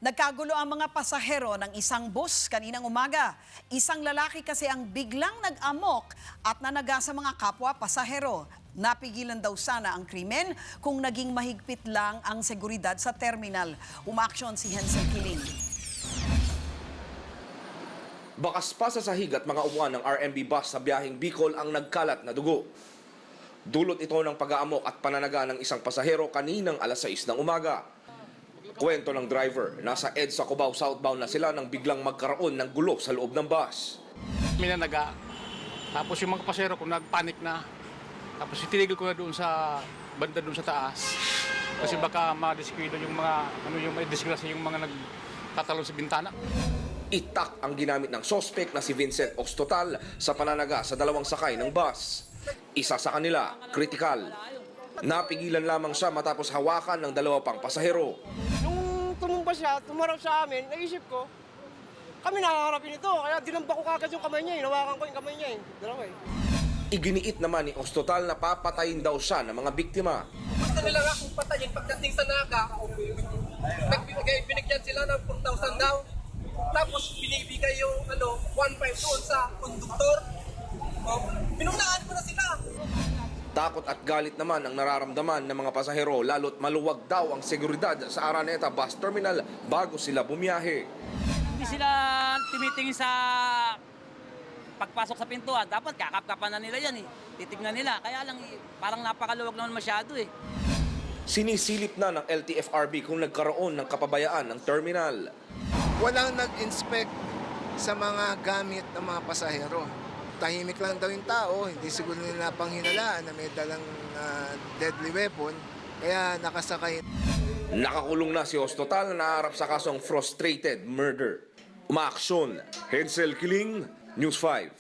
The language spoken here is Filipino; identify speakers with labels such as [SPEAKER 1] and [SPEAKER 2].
[SPEAKER 1] Nagkagulo ang mga pasahero ng isang bus kaninang umaga. Isang lalaki kasi ang biglang nag-amok at nanaga sa mga kapwa pasahero. Napigilan daw sana ang krimen kung naging mahigpit lang ang seguridad sa terminal. Umaksyon si Hensel Kiling.
[SPEAKER 2] Bakas pa sa sahig at mga upuan ng RMB bus sa biyaheng Bicol ang nagkalat na dugo. Dulot ito ng pag-aamok at pananaga ng isang pasahero kaninang alas 6 ng umaga. Kwento ng driver, nasa EDSA Cubao southbound na sila nang biglang magkaroon ng gulo sa loob ng bus.
[SPEAKER 3] May nanaga. Tapos yung mga pasero ko nagpanik na. Tapos itinigil ko na doon sa banda doon sa taas. Kasi baka ma-disquido yung mga yung may disgrasya yung mga nagtatalon sa bintana.
[SPEAKER 2] Itak ang ginamit ng sospek na si Vincent Ostotal sa pananaga sa dalawang sakay ng bus. Isa sa kanila, kritikal. Napigilan lamang siya matapos hawakan ng dalawa pang pasahero.
[SPEAKER 4] Nung tumumba siya, tumarap sa amin, naisip ko, kami nakaharapin ito. Kaya dinamba ko kagad yung kamay niya, hinawakan ko yung kamay niya. Dalawa eh.
[SPEAKER 2] Iginiit naman ni Ostotal na papatayin daw siya ng mga biktima.
[SPEAKER 5] Gusto nila nga kung patayin pagdating sa Naga, binigyan sila ng 4,000 daw. Tapos binibigay yung 1,500 doon sa konduktor. Pinunaan ko na sila.
[SPEAKER 2] Takot at galit naman ang nararamdaman ng mga pasahero lalo't maluwag daw ang seguridad sa Araneta Bus Terminal bago sila bumiyahe.
[SPEAKER 6] Hindi sila tumitingin sa pagpasok sa pintuan. Dapat kakap-kapan na nila yan eh. Titignan nila. Kaya lang parang napakaluwag naman masyado eh.
[SPEAKER 2] Sinisilip na ng LTFRB kung nagkaroon ng kapabayaan ng terminal.
[SPEAKER 7] Walang nag-inspect sa mga gamit ng mga pasahero. Tahimik lang daw yung tao, hindi siguro nila panghinalaan na may dalang deadly weapon, kaya nakasakay.
[SPEAKER 2] Nakakulong na si Ostotal na naharap sa kasong frustrated murder. Umaaksyon, Hensel Kiling, News 5.